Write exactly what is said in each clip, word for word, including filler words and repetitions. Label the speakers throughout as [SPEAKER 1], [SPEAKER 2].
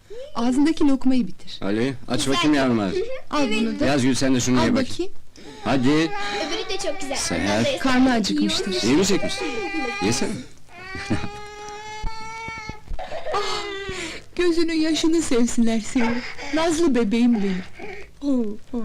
[SPEAKER 1] Ağzındaki lokmayı bitir.
[SPEAKER 2] Ali, aç bakayım yavrum ağzı.
[SPEAKER 1] Al bunu da.
[SPEAKER 2] Yazgül sen de şunu
[SPEAKER 1] Al
[SPEAKER 2] ye bakayım.
[SPEAKER 1] bakayım.
[SPEAKER 2] Hadi,
[SPEAKER 3] Öbürü de çok güzel.
[SPEAKER 2] Seher.
[SPEAKER 3] Ondan da yesene.
[SPEAKER 1] Karnı acıkmıştır.
[SPEAKER 2] yemeyecek misin? Yesene.
[SPEAKER 1] Gözünün yaşını sevsinler seni. Nazlı bebeğim benim. Oo, oo.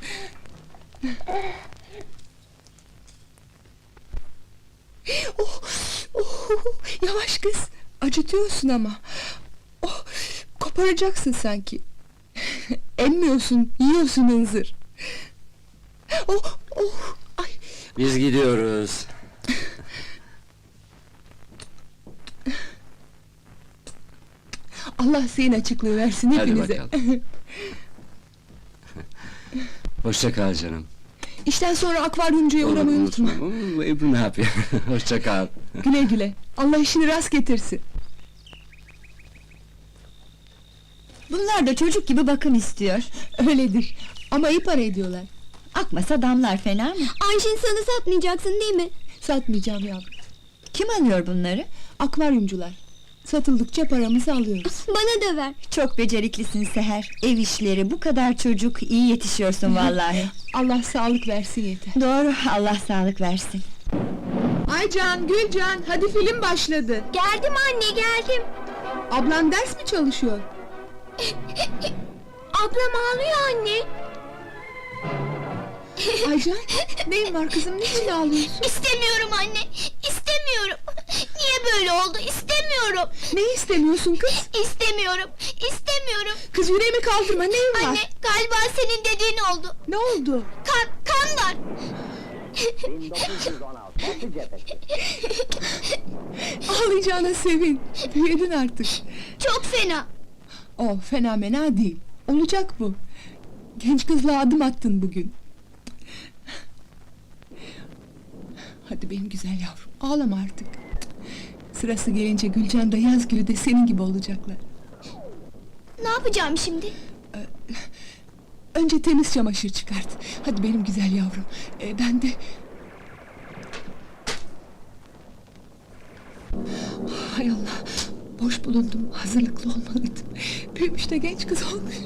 [SPEAKER 1] Oh, oh, yavaş kız. Acıtıyorsun ama. Oh, koparacaksın sanki. Emmiyorsun, yiyorsun hınzır. Oh, oh, ay.
[SPEAKER 2] Biz gidiyoruz.
[SPEAKER 1] Allah senin açıklığı versin
[SPEAKER 2] Hadi
[SPEAKER 1] hepinize.
[SPEAKER 2] bakalım. Hoşça kal canım.
[SPEAKER 1] İşten sonra akvaryumcuya uğramayı unutma.
[SPEAKER 2] Oo, Ebru ne yapıyor? Hoşça kal.
[SPEAKER 1] Güle güle. Allah işini rast getirsin.
[SPEAKER 4] Bunlar da çocuk gibi bakım istiyor.
[SPEAKER 1] Öyledir. Ama iyi para ediyorlar.
[SPEAKER 4] Akmasa damlar fena mı?
[SPEAKER 3] Ayşin sana satmayacaksın değil mi?
[SPEAKER 1] Satmayacağım yavrum.
[SPEAKER 4] Kim alıyor bunları?
[SPEAKER 1] Akvaryumcular. Satıldıkça paramızı alıyoruz.
[SPEAKER 3] Bana da ver.
[SPEAKER 4] Çok beceriklisin Seher. Ev işleri, bu kadar çocuk, iyi yetişiyorsun vallahi.
[SPEAKER 1] Allah sağlık versin yeter.
[SPEAKER 4] Doğru, Allah sağlık versin.
[SPEAKER 1] Aycan, Gülcan, hadi film başladı.
[SPEAKER 3] Geldim anne, geldim.
[SPEAKER 1] Ablan ders mi çalışıyor?
[SPEAKER 3] Ablam ağlıyor anne.
[SPEAKER 1] Aycan, neyin var kızım, niçin ağlıyorsun?
[SPEAKER 3] İstemiyorum anne, istemiyorum. Niye böyle oldu? İstemiyorum.
[SPEAKER 1] Ne istemiyorsun kız?
[SPEAKER 3] İstemiyorum, istemiyorum.
[SPEAKER 1] Kız yüreğimi kaldırma, neyin var?
[SPEAKER 3] Anne, galiba senin dediğin oldu.
[SPEAKER 1] Ne oldu?
[SPEAKER 3] Kan, kan var.
[SPEAKER 1] Ağlayacağına sevin, büyüdün artık.
[SPEAKER 3] Çok fena.
[SPEAKER 1] Oh, fena değil, olacak bu. Genç kızla adım attın bugün. Hadi benim güzel yavrum, ağlama artık. Sırası gelince Gülcan da Yazgül'ü de senin gibi olacaklar.
[SPEAKER 3] Ne yapacağım şimdi?
[SPEAKER 1] Önce temiz çamaşır çıkart. Hadi benim güzel yavrum. Ee, ben de... Hay Allah! Boş bulundum, hazırlıklı olmalıydım. Büyümüş de genç kız olmuş.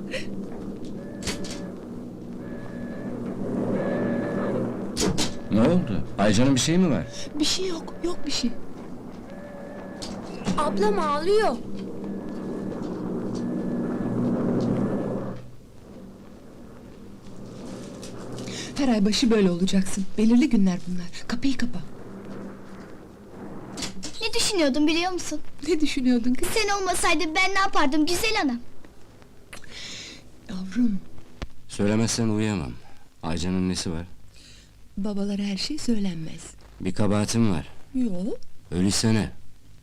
[SPEAKER 2] Ne oldu? Aycan'ın bir şey mi var?
[SPEAKER 1] Bir şey yok, yok bir şey.
[SPEAKER 3] Ablam ağlıyor.
[SPEAKER 1] Her ay başı böyle olacaksın. Belirli günler bunlar. Kapıyı kapa.
[SPEAKER 3] Ne düşünüyordum biliyor musun?
[SPEAKER 1] Ne düşünüyordun kız?
[SPEAKER 3] Sen olmasaydın ben ne yapardım güzel anam?
[SPEAKER 1] Yavrum,
[SPEAKER 2] Söylemezsen uyuyamam. Aycan'ın nesi var?
[SPEAKER 1] babalara her şey söylenmez.
[SPEAKER 2] Bir kabahatim var.
[SPEAKER 1] Yok.
[SPEAKER 2] Öyleyse ne?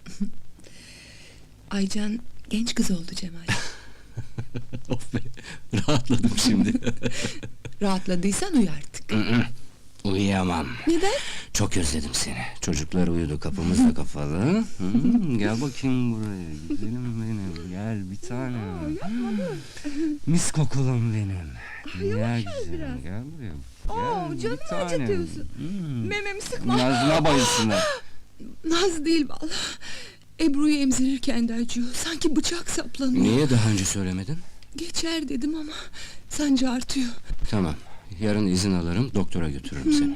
[SPEAKER 1] Aycan genç kız oldu Cemal.
[SPEAKER 2] Of be, rahatladım şimdi.
[SPEAKER 1] Rahatladıysan uyu artık.
[SPEAKER 2] Uyuyamam.
[SPEAKER 1] Neden?
[SPEAKER 2] Çok özledim seni. Çocuklar uyudu, kapımız da kapalı. Hmm, gel bakayım buraya, güzelim benim. Gel bir tanem. Mis kokulum benim. Gel güzelim, gel buraya.
[SPEAKER 1] Oo,
[SPEAKER 2] Gel bir
[SPEAKER 1] canımı
[SPEAKER 2] tanem.
[SPEAKER 1] acıtıyorsun.
[SPEAKER 2] Hmm.
[SPEAKER 1] Mememi sıkma.
[SPEAKER 2] Nazlı'na bayılsınlar.
[SPEAKER 1] Naz değil vallahi. Ebru'yu emzirirken de acıyor. Sanki bıçak saplanıyor.
[SPEAKER 2] Niye daha önce söylemedin?
[SPEAKER 1] Geçer dedim ama sancı artıyor.
[SPEAKER 2] Tamam, yarın izin alırım, doktora götürürüm seni.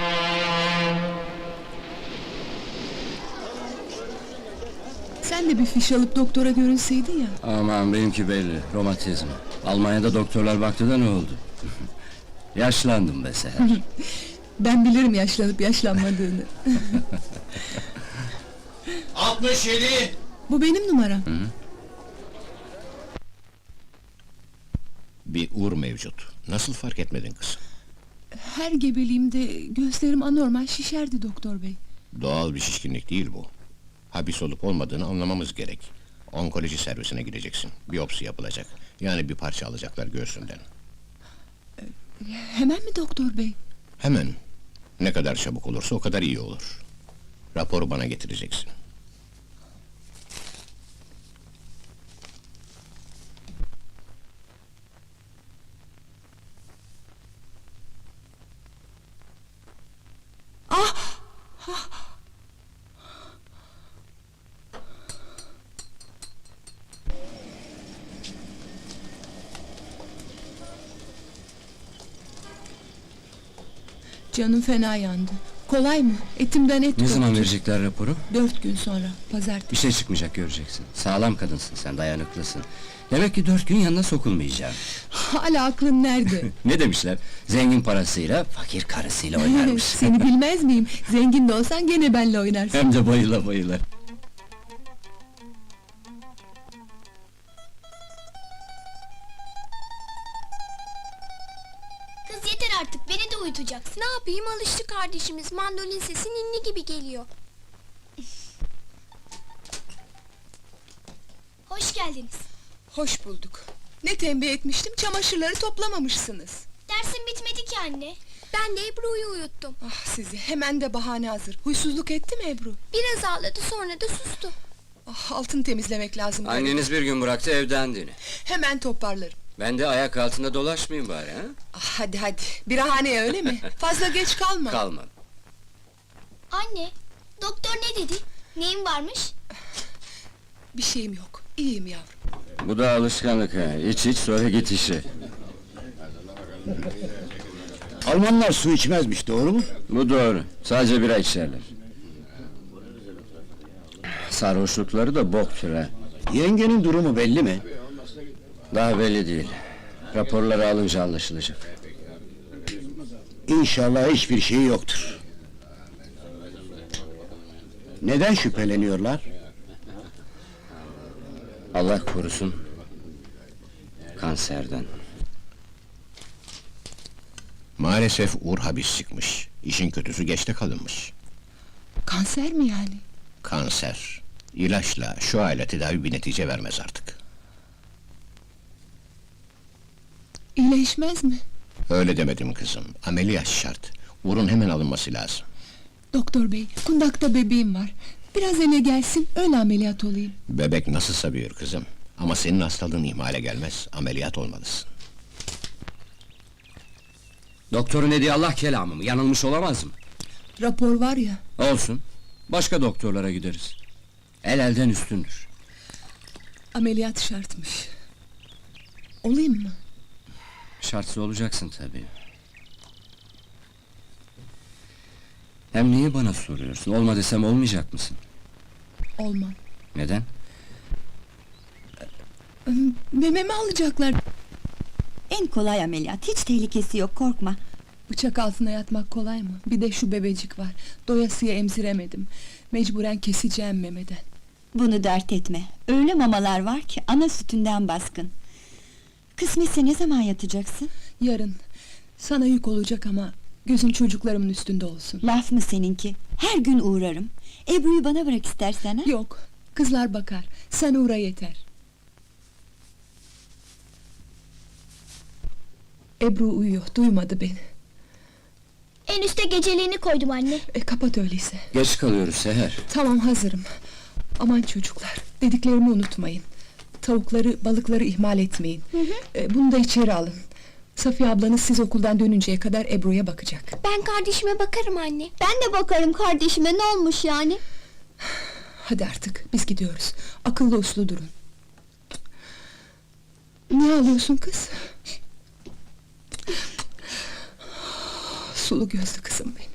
[SPEAKER 1] Sen de bir fiş alıp doktora görünseydin ya.
[SPEAKER 2] Aman benimki belli, romatizm. Almanya'da doktorlar baktı da ne oldu? Yaşlandım be Seher.
[SPEAKER 1] Ben bilirim yaşlanıp yaşlanmadığını.
[SPEAKER 5] altmış yedi.
[SPEAKER 1] Bu benim numaram.
[SPEAKER 5] Bir uğur mevcut. Nasıl fark etmedin kız?
[SPEAKER 1] Her gebeliğimde gözlerim anormal şişerdi doktor bey.
[SPEAKER 5] Doğal bir şişkinlik değil bu. Habis olup olmadığını anlamamız gerek. Onkoloji servisine gideceksin. Biyopsi yapılacak. Yani bir parça alacaklar göğsünden.
[SPEAKER 1] Hemen mi doktor bey?
[SPEAKER 5] Hemen. Ne kadar çabuk olursa o kadar iyi olur. Raporu bana getireceksin.
[SPEAKER 1] Canım fena yandı. Kolay mı? Etimden et
[SPEAKER 2] Ne zaman
[SPEAKER 1] koptu.
[SPEAKER 2] verecekler raporu?
[SPEAKER 1] Dört gün sonra,
[SPEAKER 2] Bir
[SPEAKER 1] pazartesi.
[SPEAKER 2] şey çıkmayacak, göreceksin. Sağlam kadınsın sen, dayanıklısın. Demek ki dört gün yanına sokulmayacağım.
[SPEAKER 1] Hala aklın nerede?
[SPEAKER 2] Ne demişler? Zengin parasıyla, fakir karısıyla oynarmış.
[SPEAKER 1] Seni bilmez miyim? Zengin de olsan gene benle oynarsın.
[SPEAKER 2] Hem de bayıla bayıla.
[SPEAKER 3] Kız yeter artık, beni de uyutacaksın. Ne yapayım, alıştı kardeşimiz. Mandolin sesi ninni gibi geliyor. Hoş geldiniz.
[SPEAKER 1] Hoş bulduk. Ne tembih etmiştim, çamaşırları toplamamışsınız.
[SPEAKER 3] Dersin bitmedi ki anne. Ben de Ebru'yu uyuttum.
[SPEAKER 1] Ah sizi, hemen de bahane hazır. Huysuzluk etti mi Ebru?
[SPEAKER 3] Biraz ağladı, sonra da sustu.
[SPEAKER 1] Ah, altını temizlemek lazım.
[SPEAKER 2] Anneniz bir gün bıraktı evden dini.
[SPEAKER 1] Hemen toparlarım.
[SPEAKER 2] Ben de ayak altında dolaşmayayım bari ha?
[SPEAKER 1] Ah, hadi hadi, birahaneye öyle mi? Fazla geç kalma.
[SPEAKER 2] Kalmam.
[SPEAKER 3] Anne, doktor ne dedi? Neyin varmış?
[SPEAKER 1] Bir şeyim yok, iyiyim yavrum.
[SPEAKER 2] Bu da alışkanlık ha. İç iç sonra git işe.
[SPEAKER 6] Almanlar su içmezmiş, doğru mu?
[SPEAKER 2] Bu doğru. Sadece bira içerler. Sarhoşlukları da boktur ha.
[SPEAKER 6] Yengenin durumu belli mi?
[SPEAKER 2] Daha belli değil. Raporları alınca anlaşılacak.
[SPEAKER 6] İnşallah hiçbir şey yoktur. Neden şüpheleniyorlar?
[SPEAKER 2] Allah korusun. Kanserden.
[SPEAKER 5] Maalesef Uğur hapis çıkmış. İşin kötüsü geçte kalınmış.
[SPEAKER 1] Kanser mi yani?
[SPEAKER 5] Kanser. İlaçla, şu aile tedavi bir netice vermez artık.
[SPEAKER 1] İyileşmez mi?
[SPEAKER 5] Öyle demedim kızım. Ameliyat şart. Uğur'un hemen alınması lazım.
[SPEAKER 1] Doktor bey, kundakta bebeğim var. Biraz eve gelsin, öyle ameliyat olayım.
[SPEAKER 5] Bebek nasılsa büyür kızım. Ama senin hastalığın ihmale gelmez. Ameliyat olmalısın.
[SPEAKER 2] Doktorun dediği Allah kelamı mı? Yanılmış olamaz mı?
[SPEAKER 1] Rapor var ya,
[SPEAKER 2] Olsun. Başka doktorlara gideriz. El elden üstündür.
[SPEAKER 1] ameliyat şartmış. Olayım mı?
[SPEAKER 2] Şartsız olacaksın tabii. Hem niye bana soruyorsun? Olma desem olmayacak mısın?
[SPEAKER 1] Olmam.
[SPEAKER 2] Neden?
[SPEAKER 1] Mememi alacaklar.
[SPEAKER 4] En kolay ameliyat, hiç tehlikesi yok, korkma.
[SPEAKER 1] Bıçak altına yatmak kolay mı? Bir de şu bebecik var. Doyasıya emziremedim. Mecburen keseceğim memeden.
[SPEAKER 4] Bunu dert etme. Öyle mamalar var ki ana sütünden baskın. Kısmetse ne zaman yatacaksın?
[SPEAKER 1] Yarın. Sana yük olacak ama gözün çocuklarımın üstünde olsun.
[SPEAKER 4] Laf mı seninki? Her gün uğrarım. Ebru'yu bana bırak istersen ha?
[SPEAKER 1] Yok, kızlar bakar. Sen uğra yeter. Ebru uyuyor, duymadı beni.
[SPEAKER 3] En üste geceliğini koydum anne.
[SPEAKER 1] E, kapat öyleyse.
[SPEAKER 2] Geç kalıyoruz Seher.
[SPEAKER 1] Tamam, hazırım. Aman çocuklar, dediklerimi unutmayın. Tavukları, balıkları ihmal etmeyin. E, bunu da içeri alın. Safiye ablanız siz okuldan dönünceye kadar Ebru'ya bakacak.
[SPEAKER 3] Ben kardeşime bakarım anne. Ben de bakarım kardeşime, ne olmuş yani?
[SPEAKER 1] Hadi artık, biz gidiyoruz. Akıllı uslu durun. Niye ağlıyorsun kız? Sulu gözlü kızım benim.